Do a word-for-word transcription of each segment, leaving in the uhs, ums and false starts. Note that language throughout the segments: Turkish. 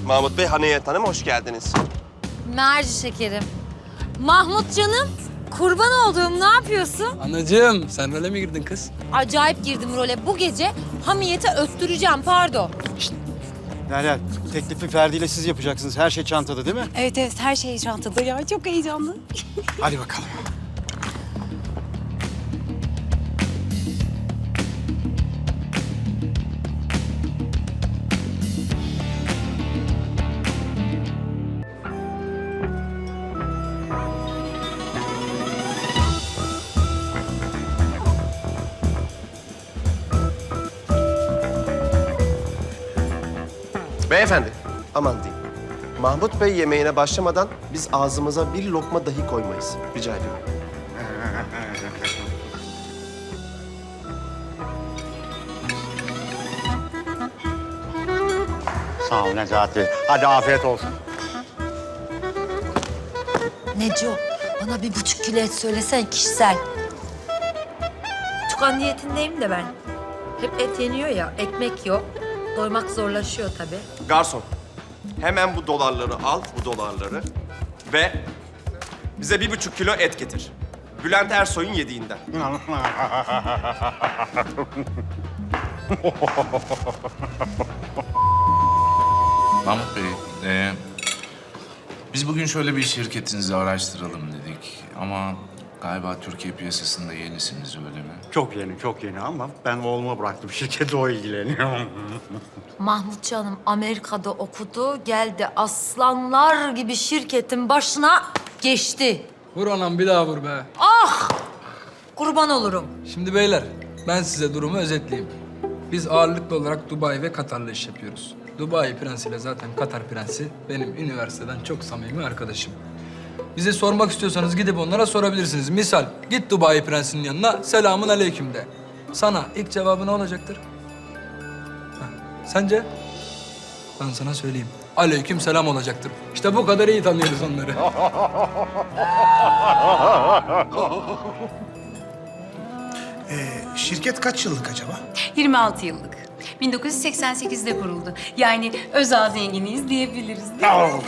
Mahmut Bey, Haniyet Hanım hoş geldiniz. Merci şekerim. Mahmut canım, kurban olduğum ne yapıyorsun? Anacığım, sen role mi girdin kız? Acayip girdim role. Bu gece Hamiyet'e öttüreceğim, pardon. Derya, teklifi Ferdi ile siz yapacaksınız. Her şey çantada değil mi? Evet evet her şey çantada ya. Çok heyecanlı. Hadi bakalım. Beyefendi, aman diyeyim. Mahmut Bey yemeğine başlamadan biz ağzımıza bir lokma dahi koymayız. Rica ediyorum. Sağ ol Necati. Hadi afiyet olsun. Neco, bana bir buçuk kilo et söylesen kişisel. Tukan niyetindeyim de ben. Hep et yeniyor ya, ekmek yok. Doymak zorlaşıyor tabii. Garson, hemen bu dolarları al, bu dolarları ve bize bir buçuk kilo et getir. Bülent Ersoy'un yediğinden. Mahmut Bey, e, biz bugün şöyle bir şirketinizi araştıralım dedik. Ama galiba Türkiye piyasasında yenisiniz, öyle mi? Çok yeni, çok yeni ama ben oğluma bıraktım. Şirketi o ilgileniyor. Mahmut canım Amerika'da okudu, geldi aslanlar gibi şirketin başına geçti. Vur anam, bir daha vur be. Ah! Kurban olurum. Şimdi beyler, ben size durumu özetleyeyim. Biz ağırlıklı olarak Dubai ve Katar'la iş yapıyoruz. Dubai prensiyle zaten Katar prensi benim üniversiteden çok samimi arkadaşım. Bize sormak istiyorsanız gidip onlara sorabilirsiniz. Misal, git Dubai prensinin yanına, selamun aleyküm de. Sana ilk cevabı ne olacaktır? Ha, sence? Ben sana söyleyeyim. Aleyküm selam olacaktır. İşte bu kadar iyi tanıyoruz onları. Ee, şirket kaç yıllık acaba? yirmi altı yıllık. bin dokuz yüz seksen sekizde kuruldu. Yani özel zenginiyiz diyebiliriz değil mi?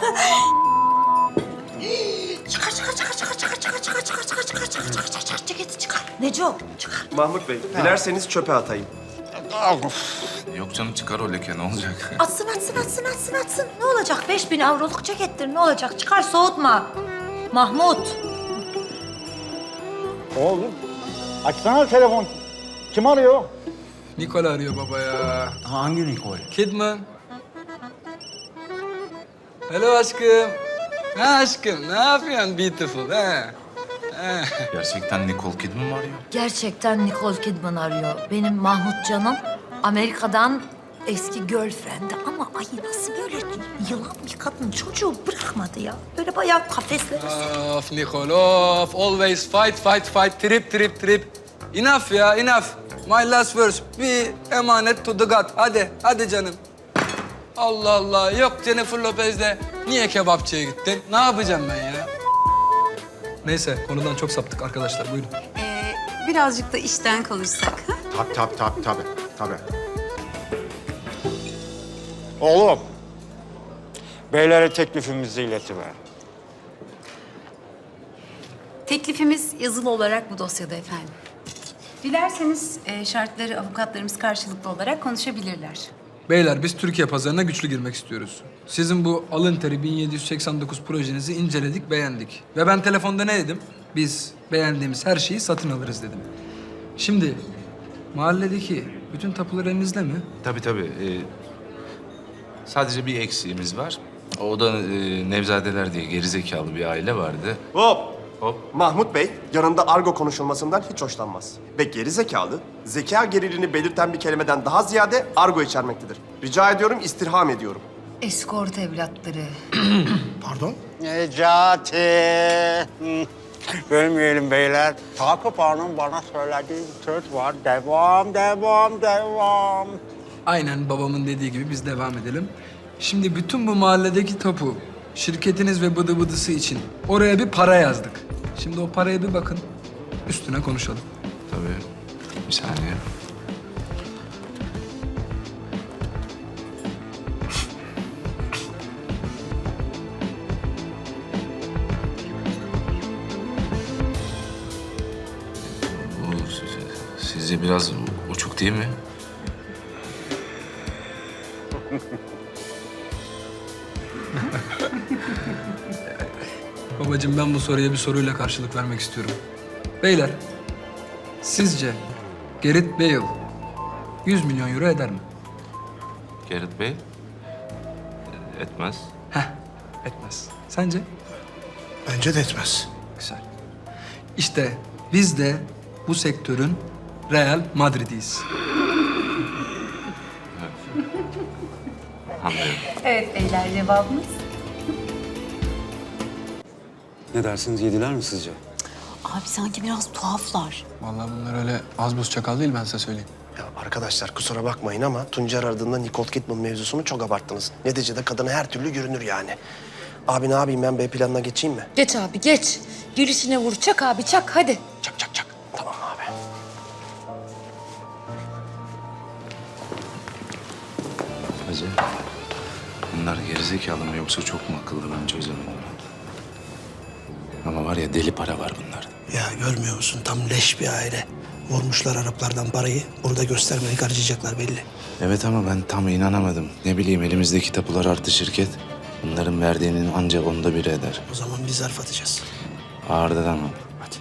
Çıkar, çıkar, çıkar, çıkar, çıkar, çıkar, çıkar, çıkar, çıkar, çıkar, çıkar, çıkar, çıkar, çıkar, ceketi çıkar. Neco, çıkar. Mahmut Bey, dilerseniz çöpe atayım. Yok canım, çıkar o leke, ne olacak? Atsın, atsın, atsın, atsın, atsın. Ne olacak? Beş bin avroluk cekettir, ne olacak? Çıkar, soğutma. Mahmut. Oğlum, açsana telefon. Kim arıyor? Nikol arıyor baba ya. Hangi Nikol? Kidman. Hello aşkım. Ha aşkım, ne yapıyorsun beautiful ha? Ha. Gerçekten Nicole Kidman var ya. Gerçekten Nicole Kidman arıyor. Benim Mahmut canım Amerika'dan eski girlfriend'i ama ay nasıl böyle yılan bir kadın çocuğu bırakmadı ya. Böyle bayağı kafeslere Of Nicole, of. Always fight, fight, fight. Trip, trip, trip. Enough ya, enough. My last verse. Bir emanet to the God. Hadi, hadi canım. Allah Allah. Yok Jennifer Lopez'le. Niye kebapçıya gittin? Ne yapacağım ben ya? Neyse, konudan çok saptık arkadaşlar. Buyurun. Ee, birazcık da işten konuşsak. Ha? Tabii, tabii, tabii, tabii, tabii. Oğlum, beylere teklifimizi iletiver. Teklifimiz yazılı olarak bu dosyada efendim. Dilerseniz e, şartları avukatlarımız karşılıklı olarak konuşabilirler. Beyler, biz Türkiye pazarına güçlü girmek istiyoruz. Sizin bu alın teri bin yedi yüz seksen dokuz projenizi inceledik, beğendik. Ve ben telefonda ne dedim? Biz beğendiğimiz her şeyi satın alırız dedim. Şimdi mahalledeki bütün tapular elinizde mi? Tabii tabii. e, sadece bir eksiğimiz var. O da e, Nevzadeler diye gerizekalı bir aile vardı. Hop! Hop. Mahmut Bey yanında argo konuşulmasından hiç hoşlanmaz. Ve geri zekalı, zeka geriliğini belirten bir kelimeden daha ziyade argo içermektedir. Rica ediyorum, istirham ediyorum. eskort evlatları. Pardon? Necati. Hı. Bölmeyelim beyler. Takip Hanım bana söylediği bir söz var. Devam, devam, devam. Aynen babamın dediği gibi biz devam edelim. Şimdi bütün bu mahalledeki tapu, şirketiniz ve bıdı bıdısı için oraya bir para yazdık. Şimdi o paraya bir bakın, üstüne konuşalım. Tabii. Bir saniye. Sizce biraz uçuk değil mi? Babacığım ben bu soruya bir soruyla karşılık vermek istiyorum. Beyler, sizce Gareth Bale yüz milyon euro eder mi? Gareth Bey? Etmez. Heh, etmez. Sence? Bence de etmez. Güzel. İşte biz de bu sektörün Real Madrid'iyiz. Anlıyorum. Evet beyler, cevabımız. Ne dersiniz, yediler mi sizce? Abi sanki biraz tuhaflar. Vallahi bunlar öyle az buz çakal değil, ben size söyleyeyim. Ya arkadaşlar kusura bakmayın ama Tuncer aradığında Nicole Kidman mevzusunu çok abarttınız. Neticede kadına her türlü görünür yani. Abi ne yapayım ben B planına geçeyim mi? Geç abi geç. Girişine vur. Çak abi çak hadi. Çak çak çak. Tamam abi. Hacı, bunlar gerizekalı mı yoksa çok mu akıllı, ben çözemedim. Ama var ya, deli para var bunlarda. Ya görmüyor musun? Tam leş bir aile. Vurmuşlar Araplardan parayı. Burada göstermeyi harcayacaklar belli. Evet ama ben tam inanamadım. Ne bileyim, elimizdeki tapular artı şirket. Bunların verdiğinin ancak onda biri eder. O zaman biz zarf atacağız. Ağırdan ama. Hadi.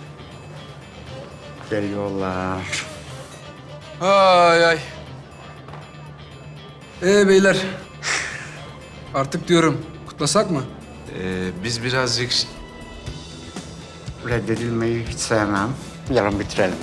Geliyorlar. Ay ay. Ee beyler, artık diyorum kutlasak mı? Ee, biz birazcık... Reddedilmeyi hiç sevmem. Yarın bitirelim.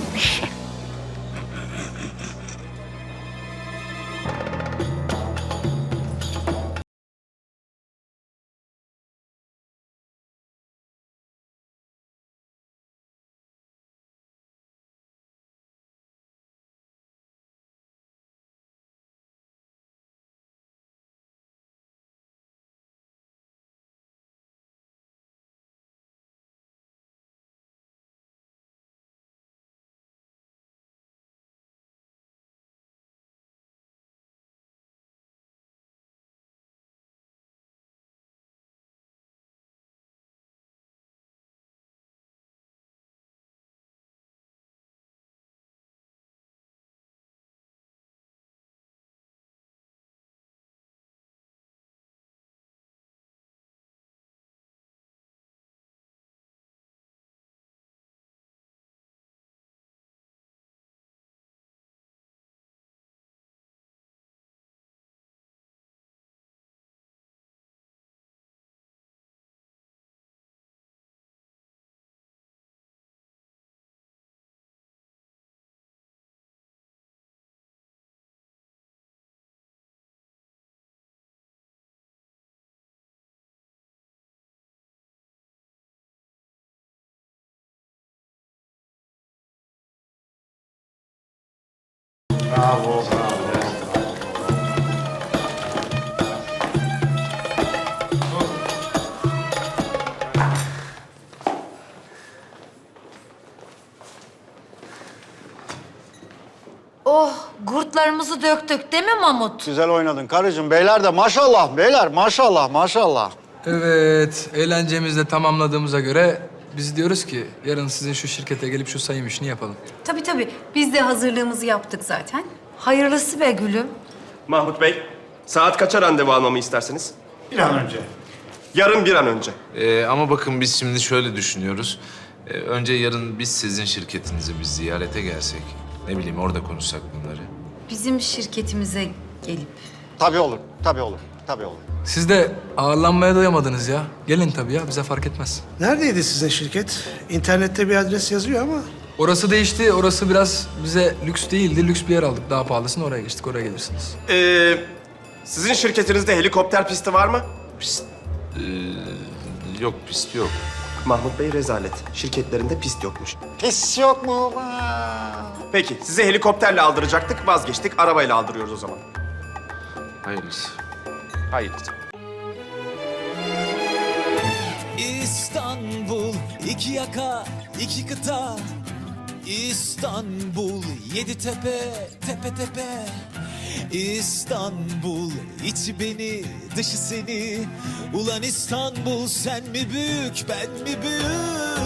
Bravo, bravo. Oh gurtlarımızı döktük değil mi Mahmut? Güzel oynadın karıcığım. Beyler de maşallah, beyler maşallah, maşallah. Evet, eğlencemizi de tamamladığımıza göre biz diyoruz ki yarın sizin şu şirkete gelip şu sayım işini yapalım. Tabii tabii, biz de hazırlığımızı yaptık zaten. Hayırlısı be gülüm. Mahmut Bey, saat kaça randevu almamı istersiniz? Bir an önce. Yarın bir an önce. Ee, ama bakın biz şimdi şöyle düşünüyoruz. Ee, önce yarın biz sizin şirketinize bir ziyarete gelsek. Ne bileyim, orada konuşsak bunları. Bizim şirketimize gelip. Tabii olur, tabii olur, tabii olur. Siz de ağırlanmaya doyamadınız ya. Gelin tabii ya, bize fark etmez. Neredeydi sizin şirket? İnternette bir adres yazıyor ama. Orası değişti, orası biraz bize lüks değildi. Lüks bir yer aldık, daha pahalısını oraya geçtik, oraya gelirsiniz. Ee, sizin şirketinizde helikopter pisti var mı? Ee, yok, pist yok. Mahmut Bey rezalet. Şirketlerinde pist yokmuş. Pis yok mu? Peki, sizi helikopterle aldıracaktık, vazgeçtik. Arabayla aldırıyoruz o zaman. Hayırlısı. Hayır. İstanbul, iki yaka, iki kıta. İstanbul, yedi tepe, tepe tepe. İstanbul, içi beni, dışı seni. Ulan İstanbul, sen mi büyük, ben mi büyük?